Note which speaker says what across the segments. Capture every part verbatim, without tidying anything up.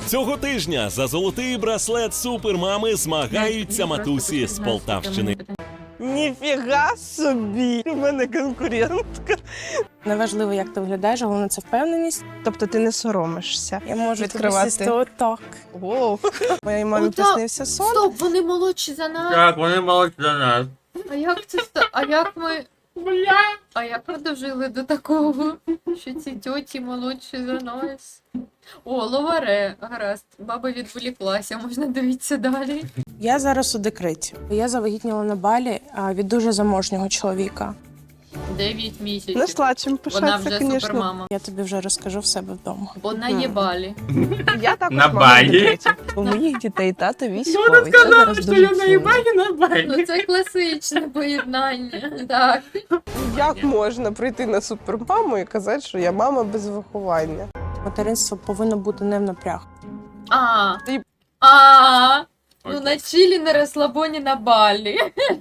Speaker 1: Цього тижня за золотий браслет супермами змагаються матусі з Полтавщини.
Speaker 2: Ніфіга собі! У мене конкурентка.
Speaker 3: Неважливо, як ти виглядаєш, головне це впевненість.
Speaker 2: Тобто ти не соромишся
Speaker 3: Я можу
Speaker 2: відкривати.
Speaker 3: тобі отак.
Speaker 2: Воу. Моїй мамі
Speaker 4: Ота-
Speaker 2: приснився сон.
Speaker 4: Стоп, вони молодші за нас.
Speaker 5: Так, вони молодці за нас.
Speaker 4: А як це ста... А як ми. Бля. А як ми дожили до такого, що ці тьоті молодші за нас? О, ловаре, гаразд. Баба відволіклася, можна дивитися далі.
Speaker 3: Я зараз у декреті. Я завагітніла на Балі а, від дуже заможнього чоловіка.
Speaker 4: Дев'ять місяців.
Speaker 2: Нашла чим
Speaker 4: Вона
Speaker 2: пишатися,
Speaker 4: вже
Speaker 2: звісно.
Speaker 4: супермама.
Speaker 3: Я тобі вже розкажу в себе вдома.
Speaker 4: Бо наєбалі.
Speaker 2: Я також
Speaker 5: На
Speaker 2: мама
Speaker 5: Балі.
Speaker 2: в декреті. У моїх дітей тато військовий. Це зараз дуже сумно.
Speaker 5: на балі.
Speaker 4: Ну це класичне поєднання. Так.
Speaker 2: Як можна прийти на супермаму і казати, що я мама без виховання?
Speaker 3: Материнство повинно бути не в напряг.
Speaker 4: А.
Speaker 2: Ти-
Speaker 4: А. Ну
Speaker 5: Окей.
Speaker 4: на чилі, на розслабоні, на Балі.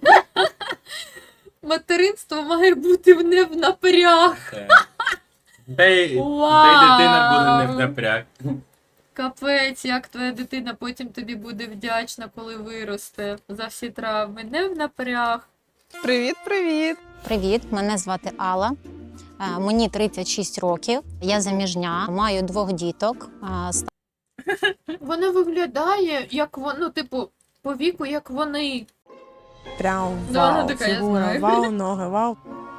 Speaker 4: Материнство має бути в- не в напряг.
Speaker 5: Та й
Speaker 4: Вау.
Speaker 5: та й дитина буде не в напряг.
Speaker 4: Капець, як твоя дитина потім тобі буде вдячна, коли виросте за всі травми. Не в напряг.
Speaker 2: Привіт, привіт!
Speaker 6: Привіт, мене звати Алла. Е, Мені тридцять шість років. Я заміжня, маю двох діток. Е, ста-
Speaker 4: Вона виглядає, як вона, ну, типу, по віку, як вони.
Speaker 3: Прям
Speaker 4: Да, вона
Speaker 3: вау,
Speaker 4: така, я
Speaker 3: фігура,
Speaker 4: знаю.
Speaker 3: вау, ноги, вау.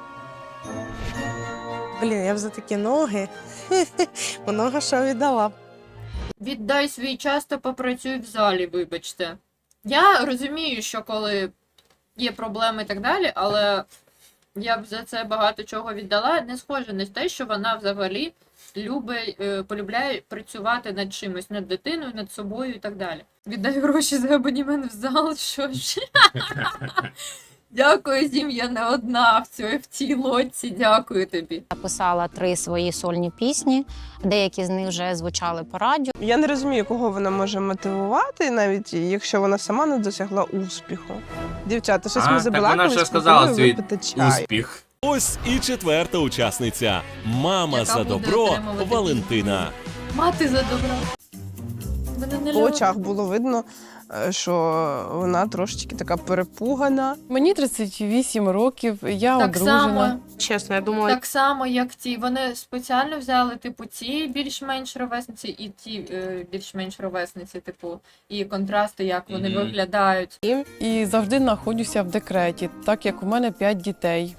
Speaker 3: Блін, я б за такі ноги много що віддала.
Speaker 4: Віддай свій час та попрацюй в залі, вибачте. Я розумію, що коли є проблеми і так далі, але я б за це багато чого віддала. Не схоже на те, що вона взагалі любить, е, полюбляє працювати над чимось, над дитиною, над собою і так далі. Віддай гроші за абонемент в зал, що ж. Дякую, Зім, я не одна в цій, в цій лодці, дякую тобі.
Speaker 6: Написала три свої сольні пісні. Деякі з них вже звучали по радіо.
Speaker 2: Я не розумію, кого вона може мотивувати, навіть якщо вона сама не досягла успіху. Дівчата, щось
Speaker 5: А,
Speaker 2: ми
Speaker 5: так
Speaker 2: забалакались,
Speaker 5: вона вже сказала
Speaker 2: пропоную
Speaker 5: свій
Speaker 2: випити чай.
Speaker 5: Успіх.
Speaker 1: Ось і четверта учасниця. Мама
Speaker 4: Яка
Speaker 1: за
Speaker 4: буде
Speaker 1: добро
Speaker 4: отримувати
Speaker 1: Валентина.
Speaker 4: Мати за добро. Мене не
Speaker 2: По
Speaker 4: любить.
Speaker 2: очах було видно, е, що вона трошечки така перепугана.
Speaker 7: Мені тридцять вісім років, я
Speaker 4: Так
Speaker 7: одружена.
Speaker 4: само,
Speaker 3: Чесно, я думала,
Speaker 4: так само, як ті. Вони спеціально взяли, типу, ці більш-менш ровесниці і ті е, більш-менш ровесниці, типу, і контрасти, як вони
Speaker 5: Мгм.
Speaker 4: виглядають.
Speaker 7: І завжди знаходжуся в декреті, так як у мене п'ять дітей.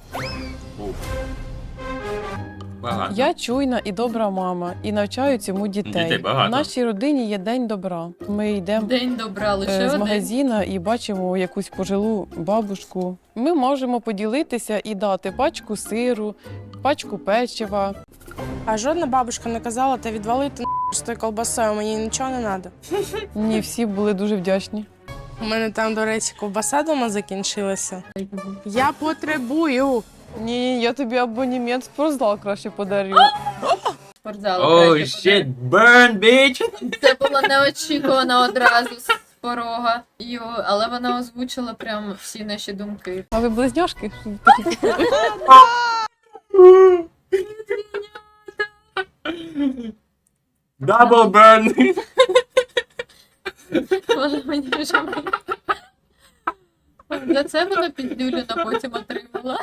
Speaker 5: Багато.
Speaker 7: Я чуйна і добра мама, і навчаю цьому дітей.
Speaker 5: Дітей багато.
Speaker 7: В нашій родині є день добра. Ми йдемо
Speaker 4: День добра, лише
Speaker 7: е, з
Speaker 4: один.
Speaker 7: магазина і бачимо якусь пожилу бабушку. Ми можемо поділитися і дати пачку сиру, пачку печива.
Speaker 3: а жодна бабушка не казала, та відвалити з тою колбасою, мені нічого не треба.
Speaker 7: Ні, всі були дуже вдячні.
Speaker 3: У мене там, до речі, ковбаса дома закінчилася. Я потребую.
Speaker 7: Ні, я тобі абонемент в спортзал краще подарю.
Speaker 4: Спортзал.
Speaker 5: Оу,
Speaker 4: краще
Speaker 5: shit, burn, bitch!
Speaker 4: буде. Це було неочікувано одразу з порога. Йо, але вона озвучила прям всі наші думки.
Speaker 7: А ви близняшки?
Speaker 5: Double burn!
Speaker 4: Вона мені вже за це вона піддюліна потім отримала.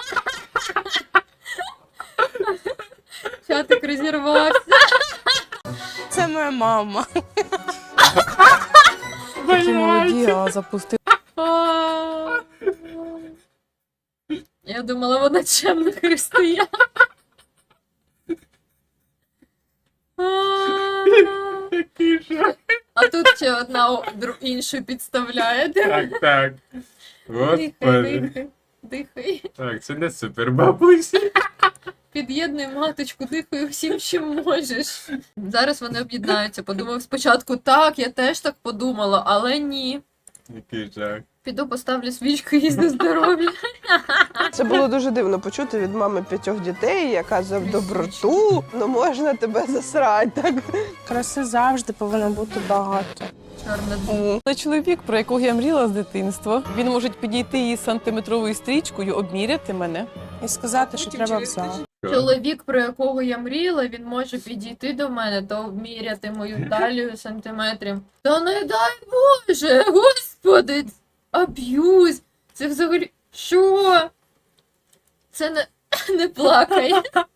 Speaker 4: Чатик розірвався.
Speaker 3: Це моя мама.
Speaker 7: Такі молоді, а запустили.
Speaker 4: А. Я думала, вона чемна християн. А.
Speaker 5: Такий жах.
Speaker 4: А тут ще одна о- дру- іншу підставляє.
Speaker 5: Так, так.
Speaker 4: Дихай,
Speaker 5: Господи.
Speaker 4: дихай, дихай.
Speaker 5: Так, це не супер бабусі.
Speaker 4: Під'єднуй маточку, дихай всім, чим можеш. Зараз вони об'єднаються. Подумав спочатку, так, я теж так подумала, але ні.
Speaker 5: Який жах.
Speaker 4: Піду поставлю свічку їй на здоров'я.
Speaker 2: Це було дуже дивно почути від мами п'ятьох дітей, яка за доброту, ну можна тебе засрати. Так?
Speaker 3: Краси завжди повинно бути багато.
Speaker 4: Чорна д-
Speaker 7: Це чоловік, про якого я мріяла з дитинства. Він може підійти із сантиметровою стрічкою, обміряти мене.
Speaker 3: І сказати, що треба в зал.
Speaker 4: Чоловік, про якого я мріяла, він може підійти до мене та обміряти мою талію сантиметрів. Та не дай Боже, господи, аб'юз. Це взагалі, що? Це не, не плакай.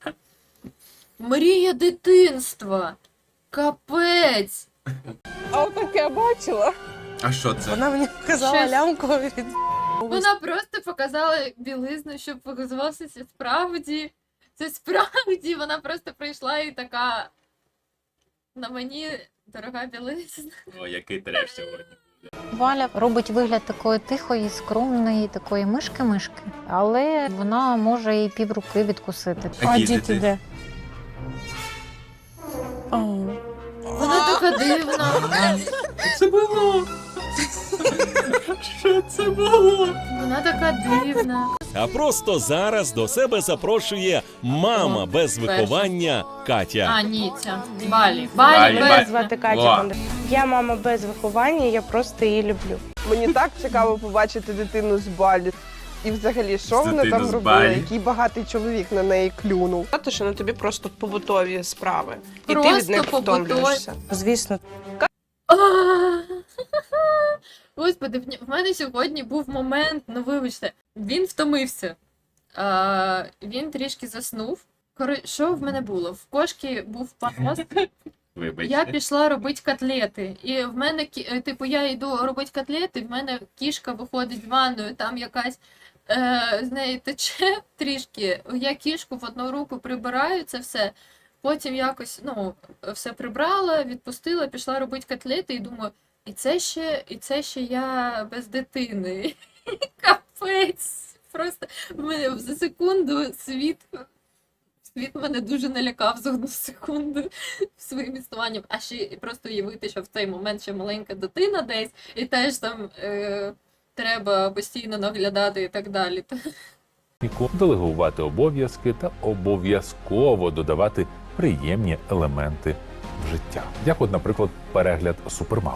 Speaker 4: Мрія дитинства. Капець.
Speaker 2: А отаке я бачила.
Speaker 5: А що це?
Speaker 3: Вона мені показала
Speaker 4: Щось.
Speaker 3: лямку від
Speaker 4: Вона просто показала білизну, щоб показувалося це справді. Це справді, вона просто прийшла і така. На мені дорога білизна.
Speaker 5: О, який треш сьогодні.
Speaker 6: Валя робить вигляд такої тихої, скромної, такої мишки-мишки, але вона може і півруки відкусити.
Speaker 3: А
Speaker 5: Які
Speaker 3: діти
Speaker 5: діти?
Speaker 3: де? А,
Speaker 4: Вона така дивна.
Speaker 5: Це було. Що це було?
Speaker 4: Вона така дивна.
Speaker 1: А просто зараз до себе запрошує мама
Speaker 4: О,
Speaker 1: без
Speaker 4: перша.
Speaker 1: виховання Катя.
Speaker 4: А, ні, ця. Балі.
Speaker 5: Балі,
Speaker 4: Балі,
Speaker 5: Балі.
Speaker 4: без
Speaker 3: звати
Speaker 5: О.
Speaker 3: Катя Бондар. Я мама без виховання, я просто її люблю.
Speaker 2: Мені так цікаво побачити дитину з Балі. І взагалі, що
Speaker 5: З
Speaker 2: вона
Speaker 5: дитину
Speaker 2: там
Speaker 5: з
Speaker 2: робила?
Speaker 5: Балі.
Speaker 2: Який багатий чоловік на неї клюнув. Те, що на тобі просто побутові справи. І ти від
Speaker 4: Просто
Speaker 2: них
Speaker 4: побутові.
Speaker 2: втомлюєшся.
Speaker 3: Звісно,
Speaker 4: А! Господи, в ні- в мене сьогодні був момент, ну вибачте, він втомився. А, він трішки заснув. Кори... Що в мене було? В кошки був панос.
Speaker 5: Вибачте.
Speaker 4: Я пішла робити котлети. І в мене, кі- е, типу, я йду робити котлети, в мене кішка виходить з ванною, там якась е, з неї тече трішки. Я кішку в одну руку прибираю, це все. Потім якось, ну, все прибрала, відпустила, пішла робити котлети і думаю, і це ще, і це ще я без дитини. Капець. Просто в мене за секунду світ. Світ мене дуже налякав за одну секунду своїм існуванням. А ще і просто уявити, що в цей момент ще маленька дитина десь, і теж там е, треба постійно наглядати і так далі.
Speaker 8: Делегувати обов'язки та обов'язково додавати приємні елементи в життя. Як от, наприклад, перегляд «Супермам».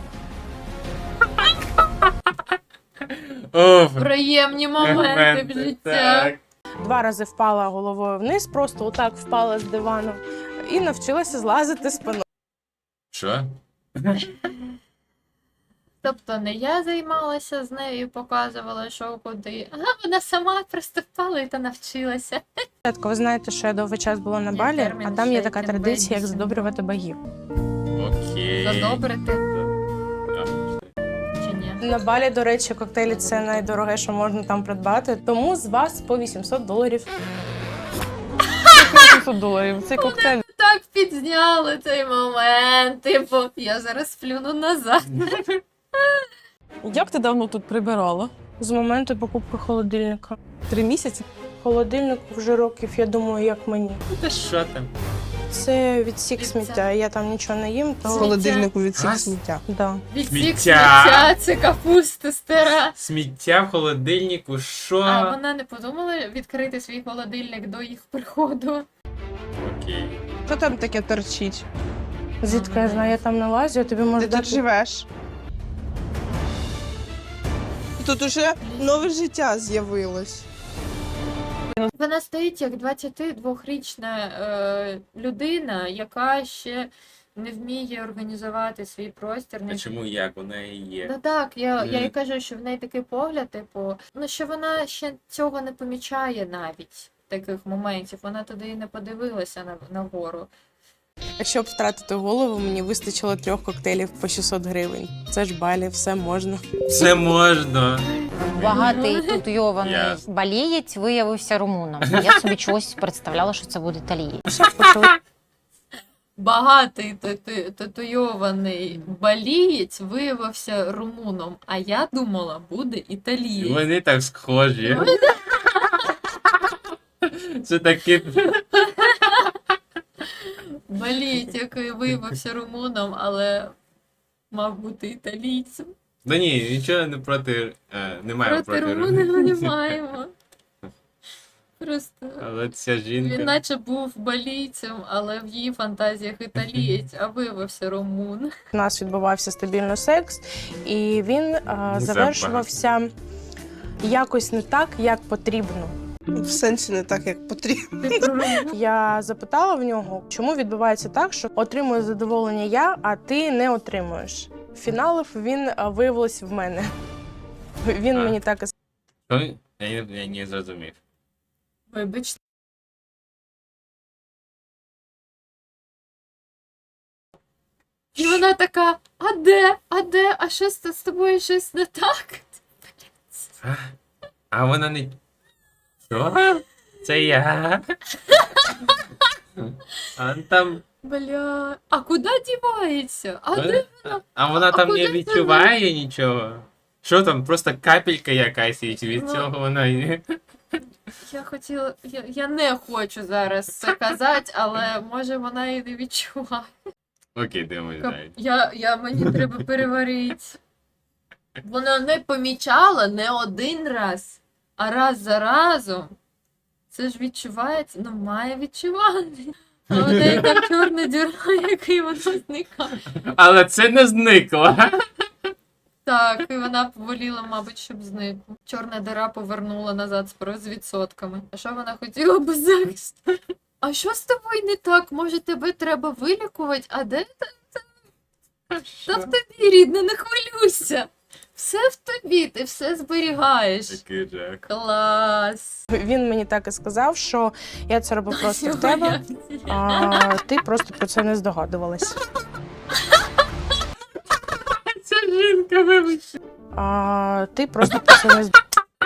Speaker 5: О,
Speaker 4: Приємні моменти в життя.
Speaker 5: так.
Speaker 3: два рази впала головою вниз, просто отак впала з дивану і навчилася злазити з пано.
Speaker 5: Що?
Speaker 4: Тобто не я займалася з нею, показувала, що куди, а вона сама просто впала і та навчилася.
Speaker 3: Ви знаєте, що я довгий час була на
Speaker 4: Є
Speaker 3: Балі,
Speaker 4: термін
Speaker 3: а там є
Speaker 4: ще
Speaker 3: така
Speaker 4: тим
Speaker 3: традиція, як
Speaker 4: більше.
Speaker 3: задобрювати богів.
Speaker 5: Окей.
Speaker 4: Задобрити
Speaker 5: А,
Speaker 4: чи ні?
Speaker 3: На Балі, до речі, коктейлі це найдороге, що можна там придбати. Тому з вас по вісімсот доларів. вісімсот доларів. Цей коктейль.
Speaker 4: Так підзняли цей момент, типу, я зараз сплюну назад.
Speaker 7: Як ти давно тут прибирала?
Speaker 3: З моменту покупки холодильника.
Speaker 7: Три місяці?
Speaker 3: Холодильник вже років, я думаю, як мені.
Speaker 5: Та що там?
Speaker 3: Це відсік
Speaker 4: Це-
Speaker 3: сміття. Я там нічого не їм, то
Speaker 2: З холодильнику від
Speaker 5: А?
Speaker 2: всіх сміття.
Speaker 3: да.
Speaker 4: Відсік
Speaker 5: Сміття.
Speaker 4: сміття, це капуста стара.
Speaker 5: Сміття в холодильнику, що?
Speaker 4: А вона не подумала відкрити свій холодильник до їх приходу.
Speaker 5: Окей.
Speaker 2: Що там таке торчить?
Speaker 3: Звідки я знаю, я там не лазю, я тобі можу
Speaker 2: Ти тут
Speaker 3: дати.
Speaker 2: живеш? Тут уже нове життя з'явилось.
Speaker 4: Вона стоїть як двадцятидвохрічна е, людина, яка ще не вміє організувати свій простір.
Speaker 5: А
Speaker 4: Не...
Speaker 5: чому як? Вона і є.
Speaker 4: Ну так, я, я і
Speaker 5: Мгм.
Speaker 4: кажу, що в неї такий погляд, типу, ну що вона ще цього не помічає навіть таких моментів. Вона туди і не подивилася на, на гору.
Speaker 3: Щоб втратити голову, мені вистачило трьох коктейлів по шістсот гривень. Це ж Балі, все можна.
Speaker 5: Все можна.
Speaker 6: Багатий татуйований
Speaker 5: Ясно.
Speaker 6: балієць виявився румуном. Я собі чогось представляла, що це буде італієць.
Speaker 4: Багатий тату- татуйований балієць виявився румуном, а я думала, буде італієць.
Speaker 5: Вони так схожі. Це таке.
Speaker 4: Балієць, який виявився румуном, але мав бути італійцем.
Speaker 5: Да ні, нічого не проти. Е, немає
Speaker 4: Проти
Speaker 5: проти
Speaker 4: румунів ми не
Speaker 5: румунів.
Speaker 4: маємо. Просто
Speaker 5: Але ця жінка.
Speaker 4: він наче був балійцем, але в її фантазіях італієць, а виявився румун.
Speaker 3: У нас відбувався стабільно секс, і він а,
Speaker 5: Ну, це
Speaker 3: завершувався якось не так, як потрібно.
Speaker 2: В сенсі не так, як потрібно.
Speaker 3: Я запитала в нього, чому відбувається так, що отримую задоволення я, а ти не отримуєш. Фіналив він а, виявилось в мене. Він
Speaker 5: А.
Speaker 3: мені так і
Speaker 5: Що? Я, не- я не зрозумів.
Speaker 4: Вибачте. І вона така: а де? А де? А що з з тобою щось не так?
Speaker 5: А вона не. Що? Це я. А там.
Speaker 4: Бля, а куди дівається? А де?
Speaker 5: А вона
Speaker 4: А
Speaker 5: там
Speaker 4: куди
Speaker 5: не
Speaker 4: це
Speaker 5: відчуває нічого. Що там, просто капелька якась, і від
Speaker 4: Ну.
Speaker 5: цього вона. і-
Speaker 4: Я хотіла, я, я не хочу зараз це казати, але може вона і не відчуває.
Speaker 5: Окей, дивимось
Speaker 4: Кап-
Speaker 5: далі.
Speaker 4: Я, я, мені треба переварити. Вона не помічала не один раз, а раз за разом. Це ж відчувається, ну має відчувати. А у неї там чорна діра, який вона зникає.
Speaker 5: Але це не зникло.
Speaker 4: Так, і вона поволіла, мабуть, щоб зникло. Чорна дира повернула назад з з відсотками. А що вона хотіла без захисту? А що з тобою не так? Може, тебе треба вилікувати? А де та, та, та в тобі, рідна, не хвилюйся. Все в тобі, ти все зберігаєш.
Speaker 5: Такий жах.
Speaker 4: Клас.
Speaker 3: він мені так і сказав, що я це робив просто в тебе, а ти просто про це не здогадувалась.
Speaker 5: Ця жінка, вибач.
Speaker 3: А ти просто про це не з-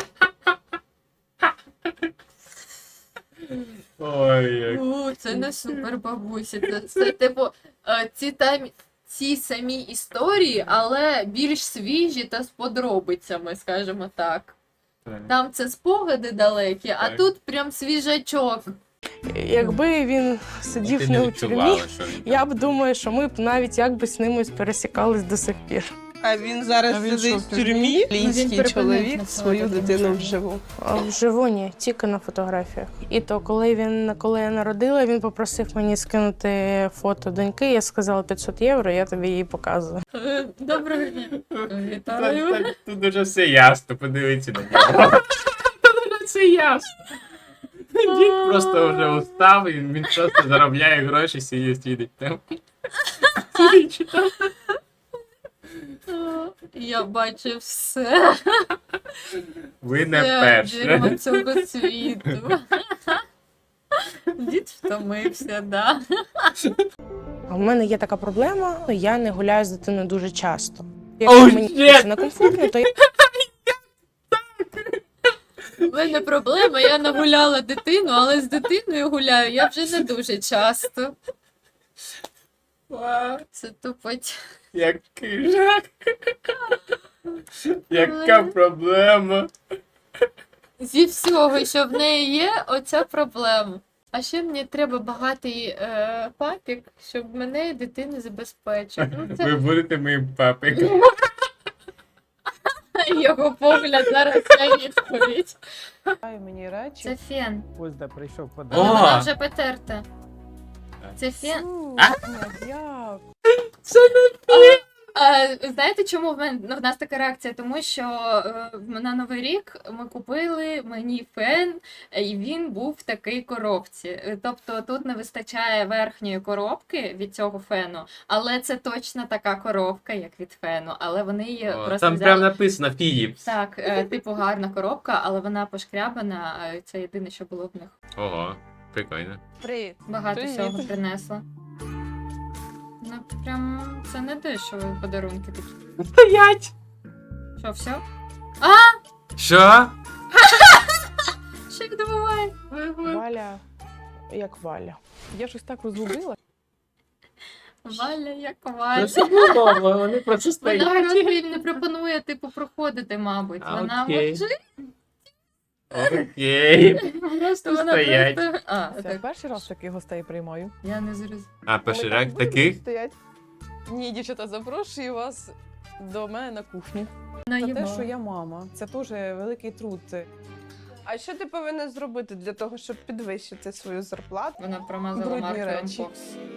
Speaker 5: Ой, як.
Speaker 4: У, це не супер бабусі. Це, це типу, е, ці там. Ці самі історії, але більш свіжі та з подробицями, скажімо так.
Speaker 5: Так.
Speaker 4: Там це спогади далекі, а
Speaker 5: Так.
Speaker 4: тут прям свіжачок.
Speaker 3: Якби він
Speaker 5: Ти
Speaker 3: сидів
Speaker 5: не
Speaker 3: не у тюрмі,
Speaker 5: відчувала, що він
Speaker 3: я
Speaker 5: там.
Speaker 3: б думаю, що ми б навіть якби з ними пересікались до сих пір.
Speaker 2: А він зараз
Speaker 3: А він
Speaker 2: сидить
Speaker 3: що,
Speaker 2: в
Speaker 3: в тюрмі?
Speaker 2: тюрмі.
Speaker 4: Ну, він
Speaker 2: Лінський
Speaker 4: припинив
Speaker 2: чоловік
Speaker 4: на
Speaker 2: свою
Speaker 4: фото,
Speaker 2: дитину
Speaker 4: тому
Speaker 2: вживу.
Speaker 3: А вживу ні, тільки на фотографіях. І то, коли він коли я народила, він попросив мені скинути фото доньки. Я сказала п'ятсот євро, я тобі її показую.
Speaker 4: Е, Доброго дня.
Speaker 5: Та-
Speaker 4: Вітаю.
Speaker 5: та- Тут уже все ясно, подивіться на нього. Тут уже все ясно. Дід просто вже устав, і він просто заробляє гроші, сидить, сидить там. Сидить, читає.
Speaker 4: Я бачу все.
Speaker 5: Ви не
Speaker 4: Все
Speaker 5: перші.
Speaker 4: дерьмо цього світу. Дід втомився, да.
Speaker 3: А в мене є така проблема, я не гуляю з дитиною дуже часто.
Speaker 5: Oh,
Speaker 3: Якщо мені
Speaker 5: shit!
Speaker 3: це некомфортно, то я
Speaker 4: У мене проблема, я нагуляла дитину, але з дитиною гуляю я вже не дуже часто. Це тупоть.
Speaker 5: Який жах. Яка проблема.
Speaker 4: Зі всього, що в неї є, оця проблема. А ще мені треба багатий е, папік, щоб мене і дитину забезпечив. Ну, це
Speaker 5: Ви будете моїм папиком.
Speaker 4: його погляд, зараз я відповідь.
Speaker 7: Мені речі.
Speaker 4: Це фен.
Speaker 7: Ось де прийшов
Speaker 4: Але
Speaker 5: О!
Speaker 4: вона вже потерта. Це фен.
Speaker 7: Як?
Speaker 4: А, знаєте, чому в мене в нас така реакція? Тому що е, на Новий рік ми купили мені фен, і він був в такій коробці. Е, Тобто тут не вистачає верхньої коробки від цього фену, але це точно така коробка, як від фену. Але вони її
Speaker 5: О,
Speaker 4: просто
Speaker 5: Там
Speaker 4: взяли.
Speaker 5: прям написано Philips.
Speaker 4: Так, е, типу гарна коробка, але вона пошкрябана. е, Це єдине, що було в них.
Speaker 5: Ого, прикольно.
Speaker 2: Привіт.
Speaker 4: Багато
Speaker 7: Привіт.
Speaker 4: всього принесла. Ну, прям це не дешево подарунки такі.
Speaker 5: Стоять!
Speaker 4: Що, все?
Speaker 5: Що?
Speaker 4: Що відбувається?
Speaker 3: Валя, як Валя.
Speaker 7: Я щось так розгубила.
Speaker 4: Валя, як
Speaker 5: Ну,
Speaker 4: Валя.
Speaker 5: все було, вони просто
Speaker 4: Вона
Speaker 5: стоять.
Speaker 4: просто їм не пропонує, типу, проходити, мабуть.
Speaker 5: А,
Speaker 4: Вона
Speaker 5: окей.
Speaker 4: мовчить,
Speaker 5: Окей.
Speaker 4: просто вона
Speaker 5: стоять.
Speaker 4: просто. А,
Speaker 7: Це
Speaker 4: так.
Speaker 7: перший раз таких гостей приймаю.
Speaker 4: Я не зрозуміла.
Speaker 5: А, поширак таких?
Speaker 2: Стоять.
Speaker 7: Ні, дівчата, запрошую вас до мене на кухню.
Speaker 4: Ну,
Speaker 7: Та те,
Speaker 4: їмо.
Speaker 7: що я мама, це теж великий труд.
Speaker 2: А що ти повинна зробити для того, щоб підвищити свою зарплату?
Speaker 4: Вона промазала
Speaker 7: Брудні
Speaker 4: маркером
Speaker 7: речі.
Speaker 4: бокс.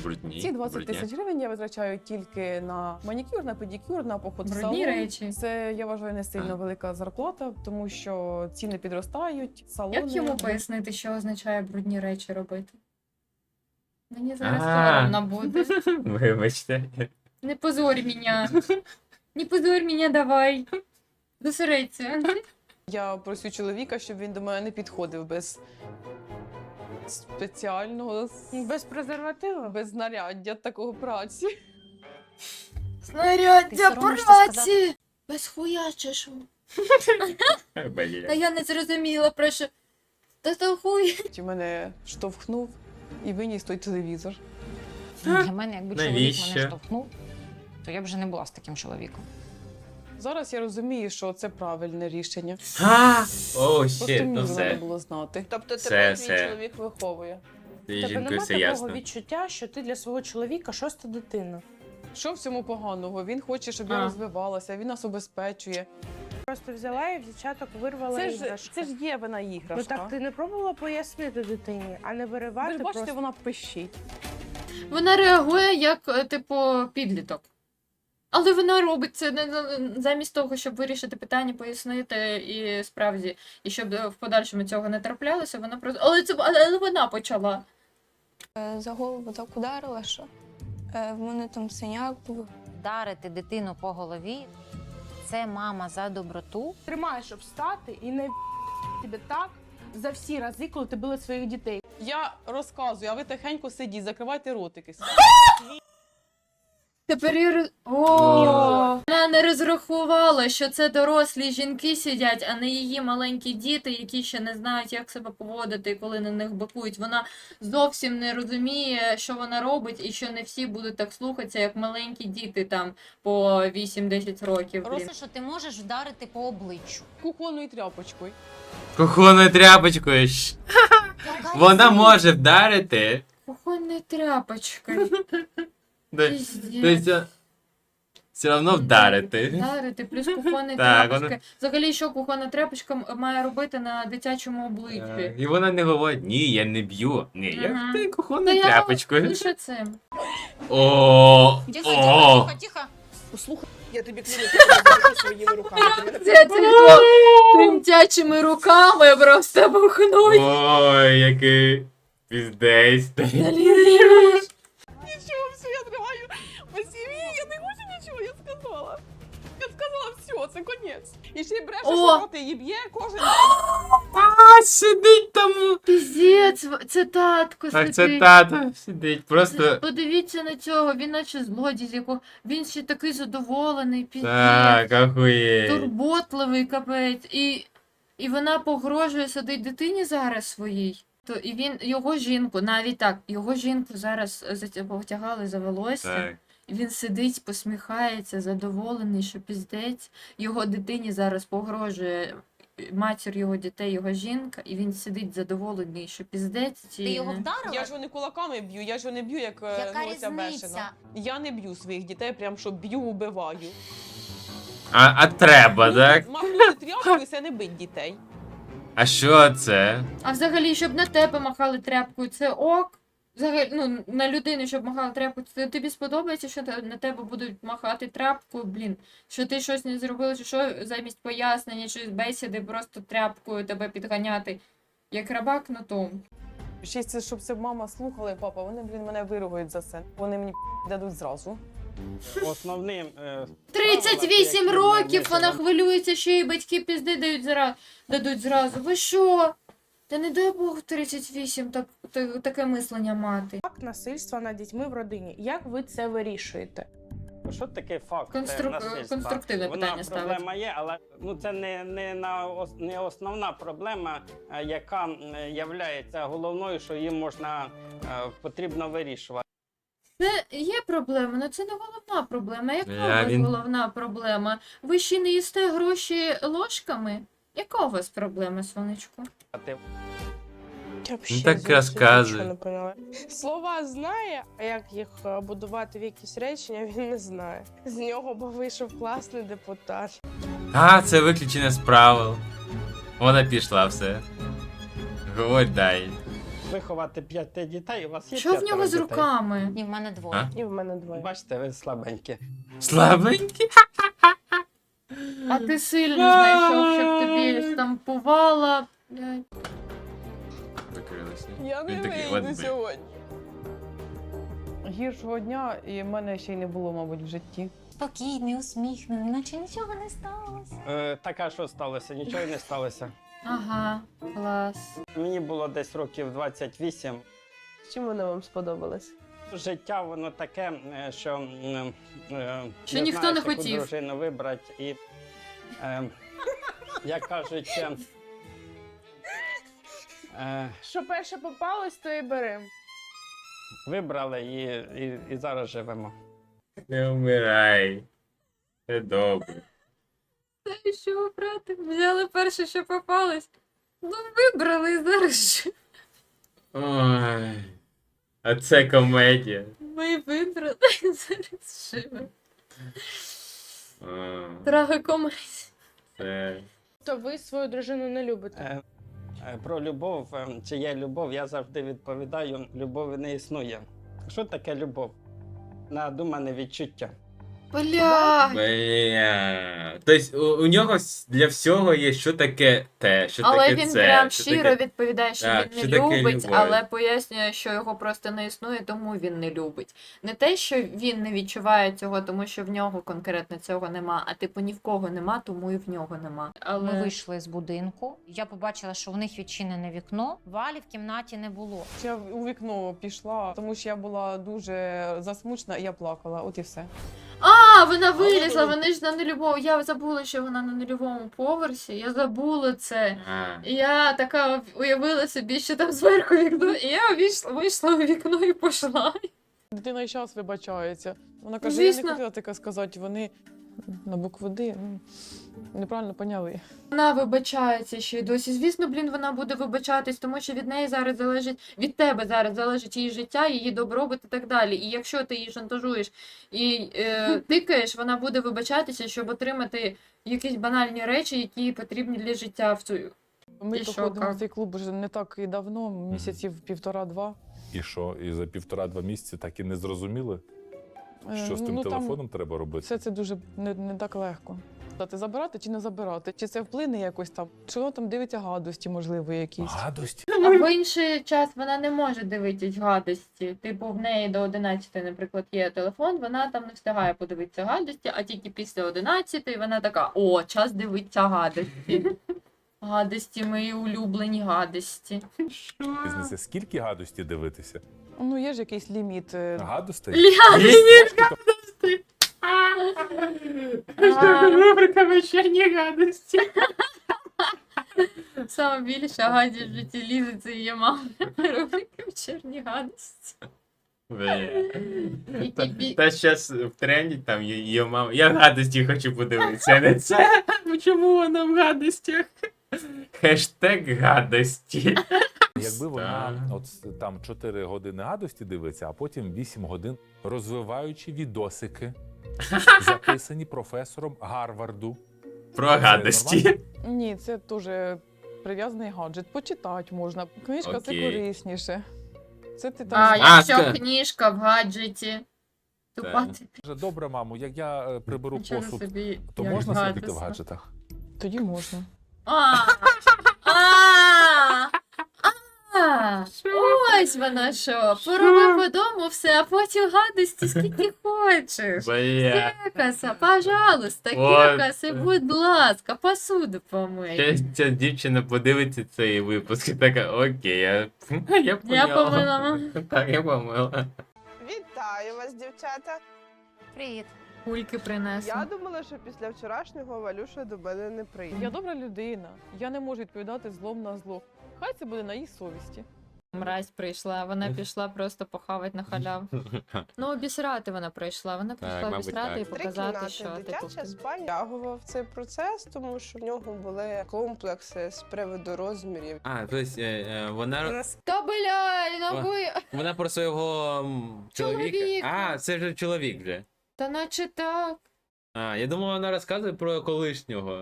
Speaker 5: брудні.
Speaker 7: Ці двадцять
Speaker 5: брудні.
Speaker 7: тисяч гривень я витрачаю тільки на манікюр, на педикюр, на поход в
Speaker 4: Брудні
Speaker 7: салон.
Speaker 4: речі.
Speaker 7: Це, я вважаю, не сильно велика зарплата, тому що ціни підростають, салони.
Speaker 4: Як йому пояснити, що означає брудні речі робити? Мені зараз
Speaker 5: А.
Speaker 4: соромно буде.
Speaker 5: Вибачте.
Speaker 4: Не позорь мене. Не позорь мене, давай. Зосередься.
Speaker 7: Я просю чоловіка, щоб він до мене не підходив без спеціального,
Speaker 3: Без презервативу?
Speaker 7: без знаряддя такого праці.
Speaker 6: Ти
Speaker 4: Снаряддя
Speaker 6: соромишся
Speaker 4: праці! Без хуя чи що? Та
Speaker 5: Бля.
Speaker 4: я не зрозуміла, про що. Та то хуй.
Speaker 7: Чи мене штовхнув і виніс той телевізор.
Speaker 6: Для мене, якби чоловік
Speaker 5: Навіщо?
Speaker 6: мене штовхнув, то я б вже не була з таким чоловіком.
Speaker 7: Зараз я розумію, що це правильне рішення.
Speaker 5: А! О,
Speaker 7: Просто
Speaker 5: щит,
Speaker 7: мені
Speaker 5: ну
Speaker 7: треба
Speaker 5: все.
Speaker 7: було знати.
Speaker 2: Тобто
Speaker 5: Все,
Speaker 2: тебе твій
Speaker 5: все.
Speaker 2: чоловік виховує.
Speaker 5: Ти
Speaker 3: Тебе
Speaker 5: жінкою
Speaker 3: нема
Speaker 5: все
Speaker 3: такого
Speaker 5: ясно.
Speaker 3: відчуття, що ти для свого чоловіка шоста дитина.
Speaker 7: Що в цьому поганого? Він хоче, щоб
Speaker 4: А.
Speaker 7: я розвивалася, він нас обезпечує.
Speaker 3: Просто взяла і в дівчаток вирвала
Speaker 7: Це ж,
Speaker 3: іграшки.
Speaker 7: це ж є вона
Speaker 3: Ну
Speaker 7: іграшка.
Speaker 3: так ти не пробувала пояснити дитині, а не
Speaker 7: Ви
Speaker 3: виривати
Speaker 7: ж бачите,
Speaker 3: просто.
Speaker 7: вона пищить.
Speaker 4: Вона реагує як, е, типу, підліток. Але вона робить це не за- замість того, щоб вирішити питання, пояснити і справді, і щоб е, в подальшому цього не траплялося, вона просто. Але це але вона почала.
Speaker 9: Е, За голову так ударила, що е, в мене там синяк був.
Speaker 6: Вдарити дитину по голові – це мама за доброту.
Speaker 3: Тримаєш, щоб встати і не тебе так за всі рази, коли ти била своїх дітей.
Speaker 7: Я розказую, а ви тихенько сидіть, закривайте ротики.
Speaker 4: Тепер я роз... О, вона не розрахувала, що це дорослі жінки сидять, а не її маленькі діти, які ще не знають, як себе поводити, і коли на них бикують. Вона зовсім не розуміє, що вона робить, і що не всі будуть так слухатися, як маленькі діти там по вісім-десять років. Блін.
Speaker 6: Просто, що ти можеш вдарити по обличчю.
Speaker 7: Кухонною тряпочкою.
Speaker 5: Кухонною тряпочкою. ж. Вона може вдарити.
Speaker 4: Кухонною тряпочкою.
Speaker 5: Да-
Speaker 4: Пиздец.
Speaker 5: Тобто, все одно вдарити.
Speaker 4: Вдарити, плюс кухонна
Speaker 5: Так,
Speaker 4: тряпочка.
Speaker 5: вона-
Speaker 4: Взагалі, що кухонна тряпочка м- має робити на дитячому
Speaker 5: Е,
Speaker 4: обличчі?
Speaker 5: І вона не говорить, ні, я не б'ю. Ні, я
Speaker 4: Мгм.
Speaker 5: ти
Speaker 4: Та
Speaker 5: кухонною
Speaker 4: я
Speaker 5: тряпочкою.
Speaker 4: лише цим.
Speaker 5: О,
Speaker 6: Тихо,
Speaker 5: о.
Speaker 6: тихо, тихо, тихо.
Speaker 2: Послухай, я тобі клянуся, що я запишу своїми руками. Ти мене
Speaker 4: Це типу тремтячими руками просто бухнуть.
Speaker 5: Ой, який піздець.
Speaker 7: Нічого, все, я тримаю. Василій, я не хочу нічого, я сказала. Я сказала, все, це конець. І ще й бреше,
Speaker 4: О!
Speaker 7: що роти її б'є кожен день.
Speaker 5: А, сидить там.
Speaker 4: Піздець, це татко
Speaker 5: Так, це
Speaker 4: сидить.
Speaker 5: тато сидить. Просто.
Speaker 4: Подивіться на цього, він наче злодій, з якого він ще такий задоволений, піздець.
Speaker 5: Так, ахуєть.
Speaker 4: Турботливий капець. І, і вона погрожує сидить дитині зараз своїй. То і він його жінку, навіть так, його жінку зараз затя- потягали за волосся.
Speaker 5: Так.
Speaker 4: І він сидить, посміхається, задоволений, що піздець. Його дитині зараз погрожує матір його дітей, його жінка, і він сидить задоволений, що піздець.
Speaker 6: Ти його вдарила?
Speaker 7: Я ж його не кулаками б'ю, я ж його не б'ю, як е,
Speaker 6: Яка
Speaker 7: ну, оця
Speaker 6: різниця?
Speaker 7: бешена. Я не б'ю своїх дітей, прям що б'ю, убиваю.
Speaker 5: А, а треба, так?
Speaker 7: Махнути тряпкою, це не бить дітей.
Speaker 5: А що це?
Speaker 4: А взагалі, щоб на тебе махали тряпкою, це ок. Взагалі, ну, на людину, щоб махали тряпкою, це тобі сподобається, що те- на тебе будуть махати тряпкою, блін, що ти щось не зробила, чи що замість пояснення, чи бесіди просто тряпкою тебе підганяти, як раба кнутом.
Speaker 7: Ще й це, щоб це мама слухала і папа, вони, блін, мене виругають за це. Вони мені дадуть зразу.
Speaker 10: Основним е,
Speaker 4: тридцять вісім років вона хвилюється, що їй батьки пізди дають зра... дадуть зразу. Ви що? Та не дай Бог тридцять вісім так, так, таке мислення мати.
Speaker 3: Факт насильства над дітьми в родині. Як ви це вирішуєте?
Speaker 10: що таке факт
Speaker 4: Конструк-
Speaker 10: насильства?
Speaker 4: конструктивне
Speaker 10: Вона
Speaker 4: питання ставить.
Speaker 10: проблема є, але ну це не, не на ос- не основна проблема, е, яка е, являється головною, що її можна е, потрібно вирішувати.
Speaker 4: Це є проблема, але це не головна проблема. Яка у
Speaker 5: Я
Speaker 4: вас
Speaker 5: він-
Speaker 4: головна проблема? Ви ще не їсте гроші ложками? Яка у вас проблема, сонечко?
Speaker 3: Я
Speaker 5: Ну, так розказуй.
Speaker 3: Слова знає, а як їх е, будувати в якісь речення, він не знає. З нього би вийшов класний депутат.
Speaker 5: А, це виключення з правил. Вона пішла все. Говорь дай.
Speaker 10: виховати п'яти дітей, у вас є
Speaker 4: Що в
Speaker 10: п'ятеро
Speaker 4: нього з
Speaker 10: дітей?
Speaker 4: руками?
Speaker 6: Ні, в мене двоє.
Speaker 2: І в мене двоє.
Speaker 10: Бачите, ви слабенькі.
Speaker 5: Слабенький.
Speaker 4: А ти сильно знайшов, щоб тобі штампувала. Блядь.
Speaker 5: Закрилося.
Speaker 2: Я не
Speaker 5: Він такий,
Speaker 2: вийду
Speaker 5: «От би».
Speaker 2: сьогодні.
Speaker 7: Гіршого дня і в мене ще й не було, мабуть, в житті.
Speaker 6: Спокійний, усміхнений, наче нічого не сталося.
Speaker 10: Е, так, а що сталося? Нічого й не сталося.
Speaker 4: Ага, клас.
Speaker 10: Мені було десь років двадцять вісім.
Speaker 2: Чим вона вам сподобалась?
Speaker 10: Життя воно таке, е, що, м, е,
Speaker 4: Що
Speaker 10: не
Speaker 4: ніхто
Speaker 10: знаєш,
Speaker 4: не
Speaker 10: яку
Speaker 4: хотів.
Speaker 10: дружину вибрати. І, е, як кажуть, е, е,
Speaker 3: Що перше попалось, то і берем.
Speaker 10: вибрали і, і, і зараз живемо.
Speaker 5: Не вмирай. Це добре.
Speaker 4: Та й що, брати? Взяли перше, що попалось. Ну, вибрали і зараз. ж.
Speaker 5: Ой. А це комедія.
Speaker 4: Ми вибрали і зараз живемо.
Speaker 5: А,
Speaker 4: Трагикомедія.
Speaker 5: Це...
Speaker 3: То ви свою дружину не любите.
Speaker 10: Е, е, Про любов, е, чи є любов, я завжди відповідаю, любові не існує. Що таке любов? Надумане відчуття.
Speaker 4: Бля.
Speaker 5: Бля. Тобто у, у нього с- для всього є що таке те, що
Speaker 4: Але
Speaker 5: таке
Speaker 4: він
Speaker 5: це.
Speaker 4: прям
Speaker 5: що
Speaker 4: щиро
Speaker 5: таке...
Speaker 4: відповідає, що
Speaker 5: Так,
Speaker 4: він
Speaker 5: що
Speaker 4: не
Speaker 5: таке
Speaker 4: любить,
Speaker 5: любов?
Speaker 4: але пояснює, що його просто не існує, тому він не любить. Не те, що він не відчуває цього, тому що в нього конкретно цього нема, а типу ні в кого нема, тому і в нього нема. Але
Speaker 6: Ми вийшли з будинку. Я побачила, що в них відчинене вікно. Валі в кімнаті не було.
Speaker 7: Я у вікно пішла, тому що я була дуже засмучена і я плакала. От і все.
Speaker 4: А, вона вилізла, вони ж на нульовому. Я забула, що вона на нульовому поверсі. Я забула це.
Speaker 5: А,
Speaker 4: І я така уявила собі, що там зверху вікно, і я вийшла, вийшла у вікно і пішла.
Speaker 7: Дитина і час вибачається. Вона каже,
Speaker 4: Звісно.
Speaker 7: я не хотіла таке сказати. Вони на букву Д ну, неправильно поняли.
Speaker 4: Вона вибачається ще й досі. Звісно, блін, вона буде вибачатись, тому що від неї зараз залежить, від тебе зараз залежить її життя, її добробут і так далі. І якщо ти її шантажуєш і е, тикаєш, вона буде вибачатися, щоб отримати якісь банальні речі, які потрібні для життя в цю.
Speaker 7: Ми
Speaker 4: І
Speaker 7: то
Speaker 4: що,
Speaker 7: ходимо
Speaker 4: як?
Speaker 7: в цей клуб вже не так і давно, місяців півтора-два.
Speaker 8: І що, і за півтора-два місяці так і не зрозуміли,
Speaker 7: Е,
Speaker 8: що з тим
Speaker 7: ну, там
Speaker 8: телефоном треба робити?
Speaker 7: Все це дуже не, не так легко. Дати забирати чи не забирати? Чи це вплине якось там? Чи воно там дивиться гадості, можливо, якісь?
Speaker 8: Гадості?
Speaker 4: А в інший час вона не може дивитись гадості. Типу, в неї до одинадцятої, наприклад, є телефон, вона там не встигає подивитися гадості, а тільки після одинадцятої вона така: о, час дивитися гадості. Гадості, мої улюблені гадості.
Speaker 8: Різниця, скільки гадості дивитися?
Speaker 7: Ну, є ж якийсь ліміт. е,
Speaker 8: Гадостей?
Speaker 4: Гадості!
Speaker 5: Рубрика вечірні гадості.
Speaker 4: Саме більше гадів в житті Лізи це її мама. Рубрика вечірні гадості.
Speaker 5: Бля.
Speaker 4: Які
Speaker 5: Та,
Speaker 4: бі-
Speaker 5: та зараз в тренді там є, є мама. Я гадості хочу подивитися, а не це. Чому вона в гадостях? Хештег гадості.
Speaker 8: Якби вона
Speaker 5: Так.
Speaker 8: от там чотири години гадості дивиться, а потім вісім годин розвиваючи відосики, записані професором Гарварду.
Speaker 5: Про
Speaker 8: Це
Speaker 5: гадості.
Speaker 8: нормально?
Speaker 7: Ні, це дуже прив'язаний гаджет. Почитати можна. Книжка це
Speaker 5: Окей.
Speaker 7: корисніше. Це ти там.
Speaker 4: А,
Speaker 5: А,
Speaker 4: якщо
Speaker 5: ска-
Speaker 4: книжка в гаджеті. Тупа ти
Speaker 8: Каже, добре, мамо, як я е, приберу
Speaker 4: нічого
Speaker 8: посуд,
Speaker 4: собі.
Speaker 8: то
Speaker 4: як
Speaker 8: можна сидіти в
Speaker 4: гадосно.
Speaker 8: гаджетах?
Speaker 7: Тоді можна.
Speaker 4: А, а, а, ось воно що. Поробив по дому все, а потім гадості скільки хочеш.
Speaker 5: Бля.
Speaker 4: Кекаса, пожалуйста,
Speaker 5: От.
Speaker 4: кекаси, будь ласка, посуду помий.
Speaker 5: Щас ця дівчина подивиться цей випуск і така, окей, я, я
Speaker 4: Я
Speaker 5: поняла.
Speaker 4: помила.
Speaker 5: Так, я помила.
Speaker 2: Вітаю вас, дівчата.
Speaker 6: Привіт.
Speaker 4: Кульки принесла.
Speaker 2: Я думала, що після вчорашнього Валюша до мене не прийде.
Speaker 7: Я добра людина. Я не можу відповідати злом на зло. Хай це буде на її совісті.
Speaker 4: Мразь прийшла, вона пішла просто похавати на халяву. Ну, обісрати вона прийшла. Вона прийшла
Speaker 5: мабуть,
Speaker 4: обісрати
Speaker 5: так.
Speaker 4: і
Speaker 2: Три
Speaker 4: показати,
Speaker 2: кімнати,
Speaker 4: що типу.
Speaker 2: дитяча спальня. Тягував цей процес, тому що в нього були комплекси з приводу розмірів.
Speaker 11: А, тобто е, вона,
Speaker 4: Та бля,
Speaker 11: О.
Speaker 4: нахуй.
Speaker 11: вона про свого м, чоловіка.
Speaker 4: Чоловіка.
Speaker 11: А, це вже чоловік вже.
Speaker 4: Та наче так.
Speaker 11: А, я думав, вона розказує про колишнього.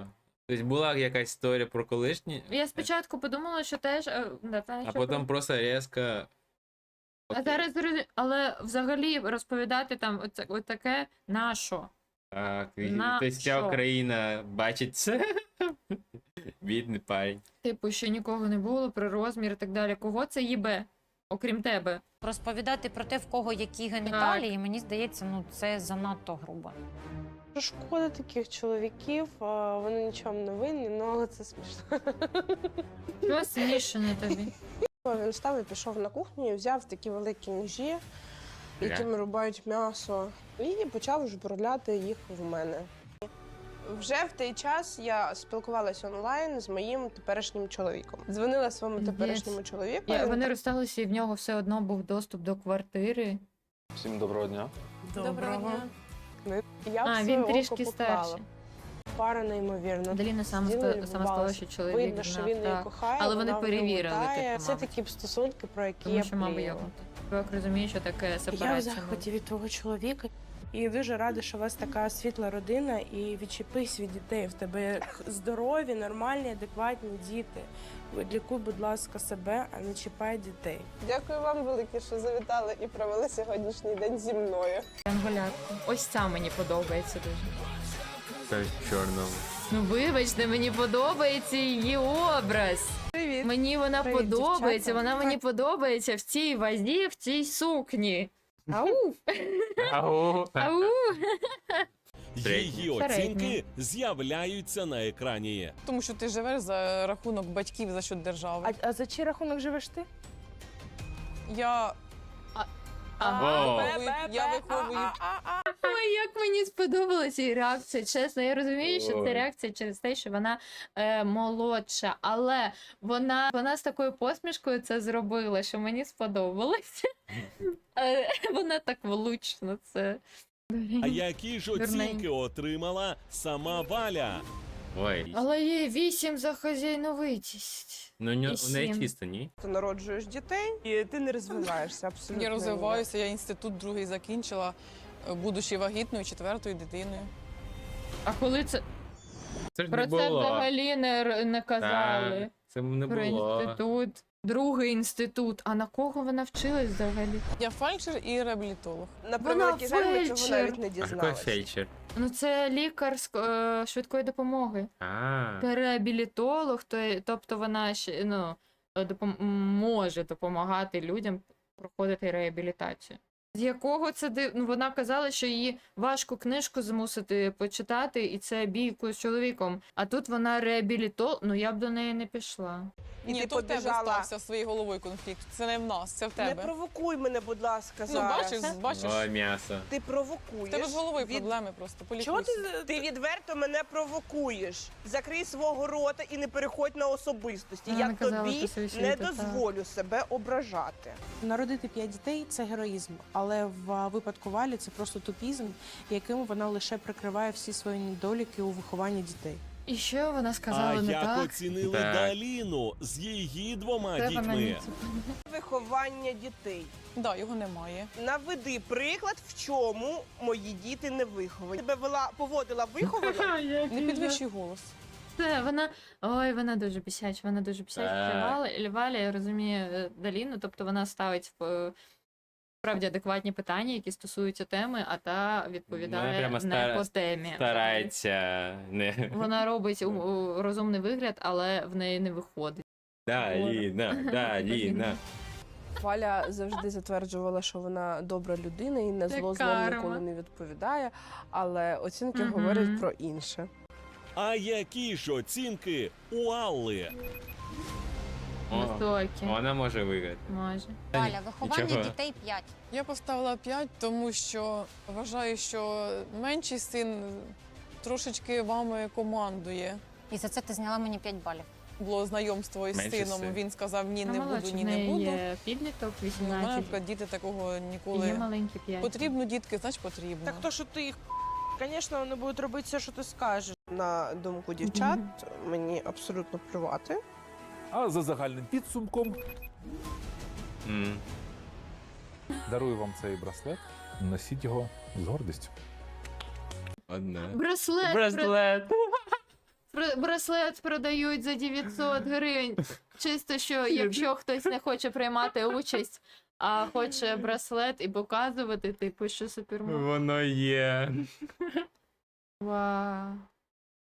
Speaker 11: Тобто була якась історія про колишні,
Speaker 4: Я спочатку подумала, що теж. е, да, та,
Speaker 11: а
Speaker 4: що
Speaker 11: потім
Speaker 4: про-
Speaker 11: просто різко.
Speaker 4: А
Speaker 11: Окей.
Speaker 4: зараз зрозу- але взагалі розповідати там оце, отаке на що?
Speaker 11: Так, і-
Speaker 4: На
Speaker 11: тобто вся
Speaker 4: що?
Speaker 11: Україна бачить це. Бідний парень.
Speaker 4: Типу, що нікого не було, про розмір і так далі. Кого це їбе? Окрім тебе.
Speaker 6: Розповідати про те, в кого які геніталії, мені здається, ну це занадто грубо.
Speaker 3: Шкода таких чоловіків, а, вони нічому не винні, ну але це смішно.
Speaker 4: Що смішане тобі?
Speaker 2: Він встав і пішов на кухню і взяв такі великі ножі, якими рубають м'ясо, і почав жбурляти їх в мене. Вже в той час я спілкувалася онлайн з моїм теперішнім чоловіком. Дзвонила своєму
Speaker 4: Піздець.
Speaker 2: теперішньому чоловіку.
Speaker 4: Я,
Speaker 2: він
Speaker 4: вони розсталися, і в нього все одно був доступ до квартири.
Speaker 12: Всім доброго дня.
Speaker 3: Доброго.
Speaker 2: Я
Speaker 4: А,
Speaker 2: в
Speaker 4: він
Speaker 2: своє
Speaker 4: трішки
Speaker 2: око поклала.
Speaker 4: старший.
Speaker 2: Пара неймовірна.
Speaker 4: Даліна сама
Speaker 2: Діла
Speaker 4: сама
Speaker 2: любувалася.
Speaker 4: сталося чоловік.
Speaker 2: Видно, що
Speaker 4: знав,
Speaker 2: він її
Speaker 4: так.
Speaker 2: кохає,
Speaker 4: Але вони
Speaker 2: вона в нього
Speaker 4: перевірили,
Speaker 2: тає.
Speaker 4: типу,
Speaker 3: Це
Speaker 4: мабуть.
Speaker 3: такі б стосунки, про які
Speaker 4: Тому
Speaker 3: я
Speaker 4: що мама
Speaker 3: мріяла.
Speaker 4: його. Чоловік розуміє, що таке
Speaker 3: Я в
Speaker 4: сепарація.
Speaker 3: захваті від твого чоловіка. І дуже рада, що у вас така світла родина, і відчепись від дітей. В тебе здорові, нормальні, адекватні діти. Лікуй, будь ласка, себе, а не чіпай дітей.
Speaker 2: Дякую вам велике, що завітали і провели сьогоднішній день зі мною.
Speaker 4: Анголярку. Ось ця мені подобається дуже.
Speaker 11: Це в чорному.
Speaker 4: Ну вибачте, мені подобається її образ.
Speaker 2: Привіт.
Speaker 4: Мені вона
Speaker 3: Привіт,
Speaker 4: подобається,
Speaker 3: дівчата.
Speaker 4: вона мені подобається в цій вазі, в цій сукні. Ау!
Speaker 5: Ау.
Speaker 4: Ау!
Speaker 1: Її
Speaker 4: Середній.
Speaker 1: оцінки з'являються на екрані.
Speaker 7: Тому що ти живеш за рахунок батьків за счет держави.
Speaker 3: А, а за чий рахунок живеш ти?
Speaker 7: Я,
Speaker 4: Ага.
Speaker 5: О.
Speaker 7: я виховую.
Speaker 4: Ой, як мені сподобалася її реакція. Чесно, я розумію, що
Speaker 5: Ой.
Speaker 4: це реакція через те, що вона е, молодша, але вона, вона з такою посмішкою це зробила, що мені сподобалося. Е, Вона так влучно це.
Speaker 1: А які ж оцінки отримала сама Валя?
Speaker 11: Ой.
Speaker 4: Але є вісім за хазяйновитість.
Speaker 11: Ну, у нього-
Speaker 4: І
Speaker 11: у неї
Speaker 4: сім.
Speaker 11: чисто, ні?
Speaker 2: Ти народжуєш дітей, і ти не розвиваєшся абсолютно.
Speaker 7: Я розвиваюся, я інститут другий закінчила, е, будучи вагітною четвертою дитиною.
Speaker 4: А коли це
Speaker 5: Це ж
Speaker 4: про
Speaker 5: не
Speaker 4: це
Speaker 5: було.
Speaker 4: взагалі не, р- не казали?
Speaker 11: Так, це не
Speaker 4: Про
Speaker 11: було.
Speaker 4: інститут. Другий інститут. А на кого вона вчилась взагалі?
Speaker 7: Я фельдшер і реабілітолог.
Speaker 2: На превеликий жаль, ми цього
Speaker 4: фельдшер.
Speaker 2: навіть не
Speaker 11: А який
Speaker 2: дізналися.
Speaker 11: фельдшер?
Speaker 4: Ну, це лікар з е, швидкої допомоги.
Speaker 11: А,
Speaker 4: Реабілітолог, то, є- тобто вона ще ну, допом- може допомагати людям проходити реабілітацію. З якого це див... ну, вона казала, що її важко книжку змусити почитати, і це бійку з чоловіком. А тут вона реабілітолог, ну я б до неї не пішла.
Speaker 2: І
Speaker 7: Ні,
Speaker 2: ти
Speaker 7: то в тебе
Speaker 2: побіжала.
Speaker 7: стався своєю головою конфлікт. Це не в нас, це в
Speaker 2: Не
Speaker 7: тебе.
Speaker 2: провокуй мене, будь ласка,
Speaker 7: Ну,
Speaker 2: зараз.
Speaker 7: бачиш, бачиш.
Speaker 11: о, м'ясо.
Speaker 2: Ти провокуєш.
Speaker 7: В тебе з головою
Speaker 2: від-
Speaker 7: проблеми просто.
Speaker 2: Чого
Speaker 7: Полікуйся.
Speaker 2: ти, ти відверто мене провокуєш? Закрий свого рота і не переходь на особистості.
Speaker 4: Вона
Speaker 2: Я
Speaker 4: не казала
Speaker 2: тобі
Speaker 4: про свою
Speaker 2: не
Speaker 4: світу, так.
Speaker 2: дозволю себе ображати.
Speaker 3: Народити п'ять дітей це героїзм, але в випадку Валі це просто тупізм, яким вона лише прикриває всі свої недоліки у вихованні дітей.
Speaker 4: І що вона сказала
Speaker 1: А
Speaker 4: не
Speaker 1: як
Speaker 4: так?
Speaker 1: оцінили
Speaker 11: Так.
Speaker 1: Даліну з її двома
Speaker 4: Це вона не
Speaker 1: дітьми?
Speaker 4: це-
Speaker 2: Виховання дітей.
Speaker 7: Да, його немає.
Speaker 2: Наведи приклад, в чому мої діти не виховані. Тебе вела, поводила виховано.
Speaker 7: Не підвищуй голос.
Speaker 4: Це вона. Ой, вона дуже бісяча, вона дуже бісяча. Це
Speaker 11: Так.
Speaker 4: Валя, Валя, я розумію е, Даліну, тобто вона ставить в е, справді адекватні питання, які стосуються теми, а та
Speaker 11: Вона
Speaker 4: відповідає
Speaker 11: прямо
Speaker 4: не
Speaker 11: стара-
Speaker 4: по темі.
Speaker 11: Старається. Не.
Speaker 4: Вона робить у- у- розумний вигляд, але в неї не виходить.
Speaker 11: Даліна, Даліна.
Speaker 2: Валя завжди затверджувала, що вона добра людина і на
Speaker 4: Це
Speaker 2: зло злом
Speaker 4: карма.
Speaker 2: ніколи не відповідає, але оцінки
Speaker 4: Мгм.
Speaker 2: говорять про інше.
Speaker 1: А які ж оцінки у Алли?
Speaker 11: О,
Speaker 4: Високі.
Speaker 11: вона може виграти.
Speaker 4: Може.
Speaker 6: Валя, виховання
Speaker 11: Нічого.
Speaker 6: дітей п'ять.
Speaker 7: Я поставила п'ять, тому що вважаю, що менший син трошечки вами командує.
Speaker 6: І за це ти зняла мені п'ять балів.
Speaker 7: Було знайомство із
Speaker 11: Менший
Speaker 7: сином.
Speaker 11: син.
Speaker 7: Він сказав ні,
Speaker 4: А
Speaker 7: не
Speaker 4: молодша,
Speaker 7: буду, ні,
Speaker 4: в
Speaker 7: не
Speaker 4: неї
Speaker 7: буду.
Speaker 4: є підліток
Speaker 7: Ну, у мене,
Speaker 4: вісімнадцять.
Speaker 7: наприклад, діти такого
Speaker 4: І
Speaker 7: ніколи.
Speaker 4: є маленькі п'ять.
Speaker 7: Потрібно дітки, значить потрібно.
Speaker 2: Так то, що ти їх, звісно, вони будуть робити все, що ти скажеш. На думку дівчат, мені абсолютно плювати.
Speaker 8: А за загальним підсумком
Speaker 11: М.
Speaker 8: дарую вам цей браслет. Носіть його з гордістю.
Speaker 11: Одна.
Speaker 4: Браслет.
Speaker 5: Браслет.
Speaker 4: Бр- Браслет продають за дев'ятсот гривень. Чисто, що якщо хтось не хоче приймати участь, а хоче браслет і показувати, типу, що супермам.
Speaker 5: Воно є.
Speaker 4: Вау.